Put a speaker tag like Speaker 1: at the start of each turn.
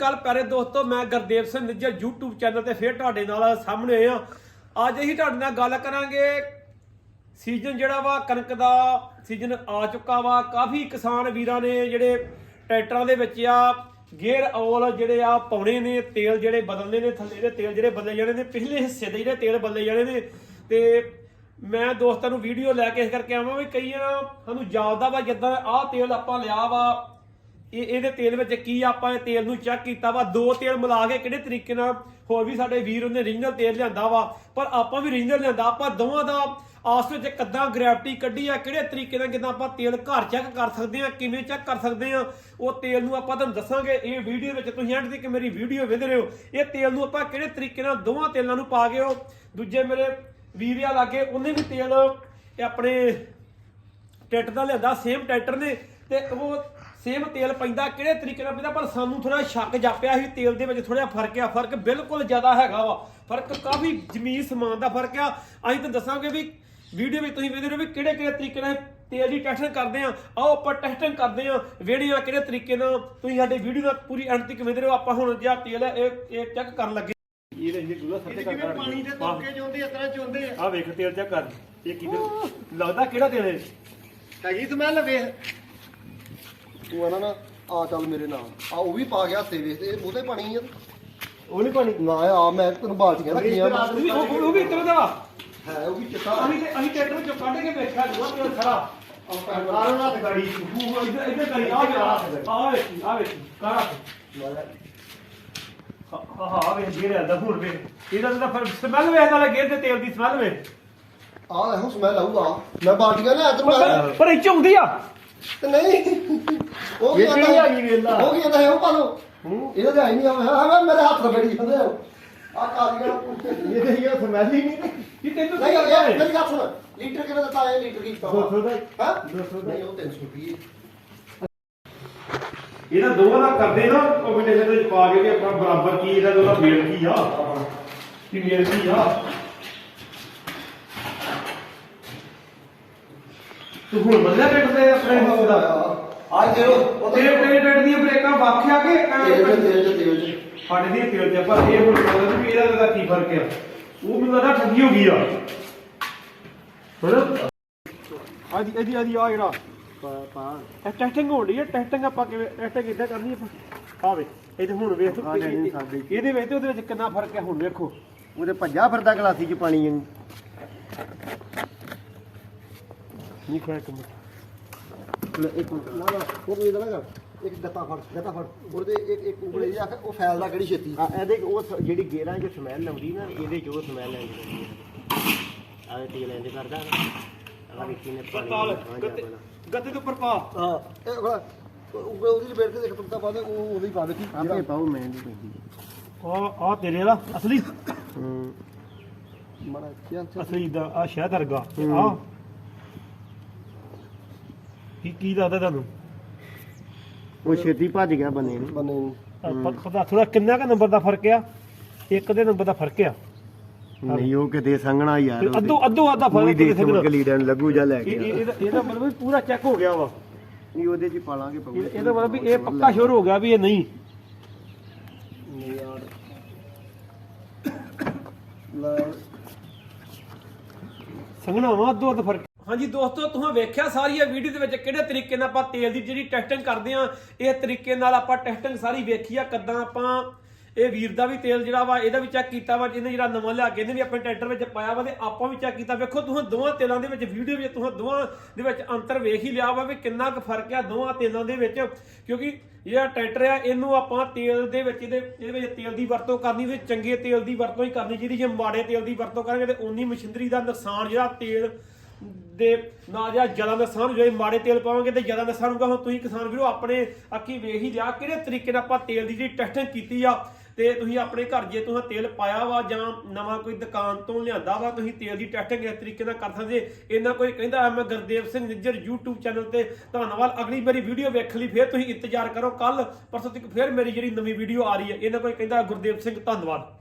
Speaker 1: ਕੱਲ ਪਿਆਰੇ ਦੋਸਤੋ ਮੈਂ ਗੁਰਦੇਵ ਸਿੰਘ ਨਿੱਜਰ YouTube ਚੈਨਲ ਤੇ ਫੇਰ ਤੁਹਾਡੇ ਨਾਲ ਸਾਹਮਣੇ ਆਏ ਆ। ਅੱਜ ਅਸੀਂ ਤੁਹਾਡੇ ਨਾਲ ਗੱਲ ਕਰਾਂਗੇ ਸੀਜ਼ਨ ਜਿਹੜਾ ਵਾ ਕਣਕ ਦਾ ਸੀਜ਼ਨ ਆ ਚੁੱਕਾ ਵਾ। ਕਾਫੀ ਕਿਸਾਨ ਵੀਰਾਂ ਨੇ ਜਿਹੜੇ ਟਰੈਕਟਰਾਂ ਦੇ ਵਿੱਚ ਆ ਗੇਅਰ ਆਇਲ ਜਿਹੜੇ ਆ ਪਾਉਣੇ ਨੇ, ਤੇਲ ਜਿਹੜੇ ਬਦਲਨੇ ਨੇ, ਥੱਲੇ ਦੇ ਤੇਲ ਜਿਹੜੇ ਬਦਲੇ ਜਾਣੇ ਨੇ, ਪਿਛਲੇ ਹਿੱਸੇ ਦੇ ਜਿਹੜੇ ਤੇਲ ਬਦਲੇ ਜਾਣੇ ਨੇ। ਤੇ ਮੈਂ ਦੋਸਤਾਂ ਨੂੰ ਵੀਡੀਓ ਲੈ ਕੇ ਇਸ ਕਰਕੇ ਆਵਾਂ ਵੀ ਕਈਆਂ ਸਾਨੂੰ ਜਾਪਦਾ ਵਾ ਜਿੱਦਾਂ ਆਹ ਤੇਲ ਆਪਾਂ ਲਿਆ ਵਾ ਇਹਦੇ ਤੇਲ ਵਿੱਚ ਕੀ ਆਪਾਂ ਇਹ ਤੇਲ ਨੂੰ ਚੈੱਕ ਕੀਤਾ ਵਾ, ਦੋ ਤੇਲ ਮਿਲਾ ਕੇ ਕਿਹੜੇ ਤਰੀਕੇ ਨਾਲ ਹੋਰ ਵੀ ਸਾਡੇ ਵੀਰ ਉਹਨੇ ਰੀਜਨਲ ਤੇਲ ਲਿਆਂਦਾ ਵਾ, ਪਰ ਆਪਾਂ ਵੀ ਰੀਜਨਲ ਲਿਆਂਦਾ। ਆਪਾਂ ਦੋਵਾਂ ਦਾ ਆਸ ਵਿੱਚ ਕਿੱਦਾਂ ਗ੍ਰੈਵਿਟੀ ਕੱਢੀ ਆ, ਕਿਹੜੇ ਤਰੀਕੇ ਨਾਲ ਕਿੱਦਾਂ ਆਪਾਂ ਤੇਲ ਘਰ ਚੈੱਕ ਕਰ ਸਕਦੇ ਆ, ਕਿਵੇਂ ਚੈੱਕ ਕਰ ਸਕਦੇ ਆ, ਉਹ ਤੇਲ ਨੂੰ ਆਪਾਂ ਤੁਹਾਨੂੰ ਦੱਸਾਂਗੇ ਇਹ ਵੀਡੀਓ ਵਿੱਚ। ਤੁਸੀਂ ਐਂਡ ਤੱਕ ਮੇਰੀ ਵੀਡੀਓ ਵੇਖ ਰਹੇ ਹੋ। ਇਹ ਤੇਲ ਨੂੰ ਆਪਾਂ ਕਿਹੜੇ ਤਰੀਕੇ ਨਾਲ ਦੋਵਾਂ ਤੇਲਾਂ ਨੂੰ ਪਾ ਕੇ ਉਹ ਦੂਜੇ ਮੇਰੇ ਵੀਰ ਆ ਲਾਗੇ ਉਹਨੇ ਵੀ ਤੇਲ ਆਪਣੇ ਟਰੈਕਟਰ ਦਾ ਲਿਆਂਦਾ, ਸੇਮ ਟਰੈਕਟਰ ਨੇ, ਤੇ ਉਹ ਸੇਮ ਤੇਲ ਪੈਂਦਾ ਕਿਹੜੇ ਤਰੀਕੇ ਨਾਲ ਪੈਂਦਾ। ਪਰ ਸਾਨੂੰ ਥੋੜਾ ਸ਼ੱਕ ਜਾਪਿਆ ਸੀ ਤੇਲ ਦੇ ਵਿੱਚ ਥੋੜਾ ਫਰਕ ਆ। ਫਰਕ ਬਿਲਕੁਲ ਜ਼ਿਆਦਾ ਹੈਗਾ ਵਾ, ਫਰਕ ਕਾਫੀ ਜ਼ਮੀਨ ਸਮਾਨ ਦਾ ਫਰਕ ਆ। ਅਸੀਂ ਤਾਂ ਦੱਸਾਂਗੇ ਵੀ ਵੀਡੀਓ ਵਿੱਚ ਤੁਸੀਂ ਵੇਖਦੇ ਰਹੋ ਵੀ ਕਿਹੜੇ ਕਿਹੜੇ ਤਰੀਕੇ ਨਾਲ ਤੇਲ ਦੀ ਟੈਸਟਿੰਗ ਕਰਦੇ ਆ। ਆਓ ਆਪਾਂ ਟੈਸਟਿੰਗ ਕਰਦੇ ਆ ਵੇੜੀਆਂ ਕਿਹੜੇ ਤਰੀਕੇ ਨਾਲ। ਤੁਸੀਂ ਸਾਡੇ ਵੀਡੀਓ ਦਾ ਪੂਰੀ ਐਂਡ ਤੱਕ ਵੇਖਦੇ ਰਹੋ। ਆਪਾਂ ਹੁਣ ਜਿਹੜਾ ਤੇਲ ਹੈ ਇਹ ਚੈੱਕ ਕਰਨ ਲੱਗੇ।
Speaker 2: ਪਾਣੀ ਦੇ ਤੋਕੇ ਚੋਂਦੇ ਇਸ ਤਰ੍ਹਾਂ ਚੋਂਦੇ ਆ।
Speaker 1: ਆ ਵੇਖ ਤੇਲ ਚੈੱਕ ਕਰ, ਇਹ ਕਿਹਦੇ ਲੱਗਦਾ ਕਿਹੜਾ ਤੇਲ ਹੈ?
Speaker 2: ਹੈਗੀ ਸਮੈਲ ਵੇਖ ਤੂੰ ਆਣਾ ਨਾ ਆ ਚੱਲ ਮੇਰੇ ਨਾਲ ਆ ਉਹ ਵੀ ਪਾ ਗਿਆ ਹੱਥੇ ਵੇਖ ਤੇ ਉਹਦੇ ਪਾਣੀ ਆ
Speaker 1: ਉਹ ਨਹੀਂ ਪਾਣੀ
Speaker 2: ਨਾ ਆ ਮੈਂ ਤੈਨੂੰ ਬਾਲਟੀਆਂ ਰੱਖੀਆਂ
Speaker 1: ਉਹ ਵੀ ਇਤਨਾ ਦਾ
Speaker 2: ਹੈ ਉਹ ਵੀ ਚਿੱਟਾ
Speaker 1: ਅਸੀਂ ਟਰੈਕਟਰ ਵਿੱਚੋਂ ਕੱਢ ਕੇ ਵੇਖਿਆ ਦੂਆ ਤੇਲ ਖੜਾ
Speaker 2: ਆਹ ਨਾ ਤੇ ਗਾੜੀ
Speaker 1: ਇੱਧਰ ਕਰੀ ਆ ਵੇਖੀ ਕਾਰਾ ਹਾਂ ਵੇਖ ਗੇਰ ਆਂਦਾ ਹੁਣ ਵੇ ਇਹਦਾ ਤਾਂ ਫਿਰ ਸਮੈਲ ਵੇਖ ਨਾਲ ਗੇਰ ਦੇ ਤੇਲ ਦੀ ਸਮੈਲ ਵੇ
Speaker 2: ਆ ਦੇਖੋ ਸਮੈਲ ਆਊਗਾ। ਮੈਂ ਬਾਲਟੀਆਂ ਲਿਆ ਤੈਨੂੰ
Speaker 1: ਪਰ ਇਹ ਚੁੰਦੀ ਆ
Speaker 2: ਤੇ ਨਹੀਂ ਉਹ ਕੀ
Speaker 1: ਕਿਹੜੀ ਆ ਗਈ ਵੇਲਾ
Speaker 2: ਉਹ ਕੀ ਕਹਿੰਦਾ ਹੈ ਉਹ ਪਾ ਲਓ ਇਹਦਾ ਤਾਂ ਹੈ ਨਹੀਂ ਆ ਮੇਰੇ ਹੱਥ ਨਾਲ ਫੜੀ ਜਾਂਦੇ ਆ ਕਾਲੀਆਂ
Speaker 1: ਇਹ ਤੇ ਇਹ ਸਮੈਲ ਹੀ ਨਹੀਂ ਕਿ ਤੈਨੂੰ
Speaker 2: ਨਹੀਂ ਯਾਰ ਮੇਰੀ ਗੱਲ ਸੁਣ ਲੀਟਰ ਕਿਵੇਂ ਦਿੱਤਾ ਹੈ ਲੀਟਰ ਕੀ
Speaker 1: 200 ਦਾ
Speaker 2: ਹਾਂ
Speaker 1: 200
Speaker 2: ਨਹੀਂ ਉਹ 300 ਰੁਪਏ
Speaker 1: ਇਹਨਾਂ ਦੋਵਾਂ ਦਾ ਕਰਦੇ ਨਾ ਕੰਬੀਨੇਸ਼ਨ ਦੇ ਵਿੱਚ ਪਾ ਕੇ ਵੀ ਆਪਣਾ ਬਰਾਬਰ ਕੀ ਇਹਦਾ ਉਹਦਾ ਮੇਲ ਕੀ ਆ ਕਿ ਮੇਲ ਕੀ ਆ। ਤੂੰ ਹੁਣ ਬੰਦਾ ਕੱਟਦੇ ਆਪਣੇ ਹੋਂ ਦਾ
Speaker 2: ਅੱਜ ਦੇਖੋ ਉਹ
Speaker 1: ਤੇਰੇ ਟਰੈਕਟਰ ਦੀਆਂ ਬ੍ਰੇਕਾਂ ਵਾਖਿਆ ਕਿ
Speaker 2: ਤੇਲ
Speaker 1: ਸਾਡੇ ਦੀ ਤੇਲ ਤੇ ਪਰ ਇਹ ਹੁਣ ਪਤਾ ਵੀ ਇਹਦਾ ਕੀ ਫਰਕ ਆ। ਉਹ ਮੈਨੂੰ ਲੱਗਦਾ ਠੱਗੀ ਹੋ ਗਈ ਆ ਹੁਣ ਆਦੀ ਆ ਜਿਹੜਾ
Speaker 2: ਪਾ
Speaker 1: ਟੈਸਟਿੰਗ ਹੋ ਰਹੀ ਹੈ। ਟੈਸਟਿੰਗ ਆਪਾਂ ਕਿਵੇਂ ਟੈਸਟਿੰਗ ਕਿੱਦਾਂ ਕਰਨੀ ਆਪਾਂ ਆ ਵੇ ਇਹ ਤੇ ਹੁਣ ਵੇਖ ਇਹਦੇ ਵਿੱਚ ਤੇ ਉਹਦੇ ਵਿੱਚ ਕਿੰਨਾ ਫਰਕ ਹੈ। ਹੁਣ ਵੇਖੋ
Speaker 2: ਉਹਦੇ ਭੱਜਾ ਫਿਰਦਾ ਗਲਾਸੀ 'ਚ ਪਾਣੀ ਨੂੰ
Speaker 1: ਨਹੀਂ ਖਾਇਆ ਕੰਮ
Speaker 2: ਇੱਕ ਨਾ ਉਹ ਵੀ ਇਹਦਾ ਨਾ ਇੱਕ ਗੱਤਾ ਫੜ ਉਹਦੇ ਇੱਕ ਉਂਗਲੀ ਆ ਉਹ ਫੈਲਦਾ ਕਿਹੜੀ ਛੇਤੀ
Speaker 3: ਇਹਦੇ ਉਹ ਜਿਹੜੀ ਗੇਰਾਂ 'ਚ ਸਮੈਲ ਆਉਂਦੀ ਨਾ ਇਹਦੇ 'ਚ ਉਹ ਸਮੈਲ ਆਉਂਦੀ ਹੈ। ਆਹ ਤੇਲ ਇੰਜ ਕਰਦਾ ਨਾ ਵਿੱਚੀ ਨੇ ਪਾਣੀ
Speaker 1: ਗੱਤੇ ਦੇ ਉੱਪਰ ਪਾ
Speaker 2: ਹਾਂ ਇਹ ਬੜਾ ਉਹਦੀ ਲਪੇਟ ਕੇ ਦੇਖ ਤੁੰਤਾ ਪਾ ਦੇ ਉਹ ਉਹਦੀ ਪਾ ਦੇ ਕੀ
Speaker 3: ਆਪੇ ਪਾਉ ਮੈਂ ਨਹੀਂ ਪੈਂਦੀ
Speaker 1: ਆ ਤੇਰੇ ਵਾਲਾ ਅਸਲੀ
Speaker 2: ਮਾੜਾ ਚੱਲ
Speaker 1: ਅਸਲੀ ਦਾ ਆ ਸ਼ਹਿਦ ਵਰਗਾ ਆ ਕੀ ਦੱਸਦਾ ਤੁਹਾਨੂੰ?
Speaker 3: ਉਹ ਛੇਤੀ ਭੱਜ ਗਿਆ ਬੰਦੇ ਨੂੰ
Speaker 2: ਬੰਨੇ ਨੂੰ
Speaker 1: ਪਤਾ ਥੋੜਾ ਕਿੰਨਾ ਕ ਨੰਬਰ ਦਾ ਫਰਕ ਆ? ਇੱਕ ਦੇ ਨੰਬਰ ਦਾ ਫਰਕ ਆ।
Speaker 3: ਨਹੀਂ ਉਹ ਕਿਤੇ ਸੰਘਣਾ ਯਾਰ
Speaker 1: ਅੱਧੋ ਅੱਧਾ
Speaker 3: ਕੋਈ
Speaker 1: ਫਰਕ
Speaker 3: ਦੇਖ ਕੇ ਲੀਡਰ ਲੱਗੂ ਜਾ ਲੈ ਕੇ
Speaker 1: ਇਹਦਾ ਮਤਲਬ ਵੀ ਪੂਰਾ ਚੈੱਕ ਹੋ ਗਿਆ ਵਾ।
Speaker 3: ਨਹੀਂ ਉਹਦੇ 'ਚ ਪਾਲਾਂਗੇ
Speaker 1: ਇਹਦਾ ਮਤਲਬ ਵੀ ਇਹ ਪੱਕਾ ਸ਼ੋਰ ਹੋ ਗਿਆ ਵੀ ਇਹ ਨਹੀਂ
Speaker 2: ਯਾਰ
Speaker 1: ਸੰਘਣਾ ਵਾ ਅੱਧੋ ਅੱਧ ਫਰਕ। ਹਾਂਜੀ ਦੋਸਤੋ ਤੁਸੀਂ ਵੇਖਿਆ ਸਾਰੀ ਇਹ ਵੀਡੀਓ ਦੇ ਵਿੱਚ ਕਿਹੜੇ ਤਰੀਕੇ ਨਾਲ ਆਪਾਂ ਤੇਲ ਦੀ ਜਿਹੜੀ ਟੈਸਟਿੰਗ ਕਰਦੇ ਆ। ਇਹ ਤਰੀਕੇ ਨਾਲ ਆਪਾਂ ਟੈਸਟਿੰਗ ਸਾਰੀ ਵੇਖੀ ਆ ਕਿੱਦਾਂ ਆਪਾਂ ਇਹ ਵੀਰ ਦਾ ਵੀ ਤੇਲ ਜਿਹੜਾ ਵਾ ਇਹਦਾ ਵੀ ਚੈੱਕ ਕੀਤਾ ਵਾ, ਇਹਨੇ ਜਿਹੜਾ ਨਵਾਂ ਲਿਆ ਕੇ ਇਹਨੇ ਵੀ ਆਪਣੇ ਟਰੈਕਟਰ ਵਿੱਚ ਪਾਇਆ ਵਾ ਤੇ ਆਪਾਂ ਵੀ ਚੈੱਕ ਕੀਤਾ। ਵੇਖੋ ਤੁਸੀਂ ਦੋਵਾਂ ਤੇਲਾਂ ਦੇ ਵਿੱਚ ਵੀਡੀਓ ਵਿੱਚ ਤੁਸੀਂ ਦੋਵਾਂ ਦੇ ਵਿੱਚ ਅੰਤਰ ਵੇਖ ਹੀ ਲਿਆ ਵਾ ਵੀ ਕਿੰਨਾ ਕੁ ਫਰਕ ਆ ਦੋਵਾਂ ਤੇਲਾਂ ਦੇ ਵਿੱਚ। ਕਿਉਂਕਿ ਜਿਹੜਾ ਟਰੈਕਟਰ ਆ ਇਹਨੂੰ ਆਪਾਂ ਤੇਲ ਦੇ ਵਿੱਚ ਇਹਦੇ ਵਿੱਚ ਤੇਲ ਦੀ ਵਰਤੋਂ ਕਰਨੀ ਤੇ ਚੰਗੇ ਤੇਲ ਦੀ ਵਰਤੋਂ ਹੀ ਕਰਨੀ ਚਾਹੀਦੀ। ਜੇ ਮਾੜੇ ਤੇਲ ਦੀ ਵਰਤੋਂ ਕਰਾਂਗੇ ਤੇ ਉਨੀ ਮਸ਼ੀਨਰੀ ਦਾ ਨੁਕਸਾਨ ਜਿਹੜਾ ਤੇਲ ਦੇ ਨਾ ਜਾਂ ਜ਼ਿਆਦਾ ਨੁਕਸਾਨ ਜੇ ਮਾੜੇ ਤੇਲ ਪਾਵਾਂਗੇ ਤੇ ਜ਼ਿਆਦਾ ਨੁਕਸਾਨ ਹੋਊਗਾ। ਹੁਣ ਤੁਸੀਂ ਕਿਸਾਨ ਵੀਰੋ ਆਪਣੇ ਅੱਖੀ ਵੇਖ ਹੀ ਲਿਆ ਕਿਹੜੇ ਤਰੀਕੇ ਨਾਲ ਆਪਾਂ ਤੇਲ ਦੀ ਜਿਹੜੀ ਟੈਸਟਿੰਗ ਕੀਤੀ ਆ। ਤੇ ਤੁਸੀਂ ਆਪਣੇ ਘਰ ਜੇ ਤੁਸੀਂ ਤੇਲ ਪਾਇਆ ਵਾ ਜਾਂ ਨਵਾਂ ਕੋਈ ਦੁਕਾਨ ਤੋਂ ਲਿਆਂਦਾ ਵਾ ਤੁਸੀਂ ਤੇਲ ਦੀ ਟੈਸਟਿੰਗ ਇਸ ਤਰੀਕੇ ਨਾਲ ਕਰ ਸਕਦੇ। ਇਹਨਾਂ ਕੋਈ ਕਹਿੰਦਾ ਮੈਂ ਗੁਰਦੇਵ ਸਿੰਘ ਨਿੱਜਰ YouTube ਚੈਨਲ ਤੇ ਧੰਨਵਾਦ। ਅਗਲੀ ਮੇਰੀ ਵੀਡੀਓ ਵੇਖਣ ਲਈ ਫਿਰ ਤੁਸੀਂ ਇੰਤਜ਼ਾਰ ਕਰੋ। ਕੱਲ ਪਰਸੋਂ ਤੱਕ ਫਿਰ ਮੇਰੀ ਜਿਹੜੀ ਨਵੀਂ ਵੀਡੀਓ ਆ ਰਹੀ ਹੈ। ਇਹਨਾਂ ਕੋਈ ਕਹਿੰਦਾ ਗੁਰਦੇਵ ਸਿੰਘ ਧੰਨਵਾਦ।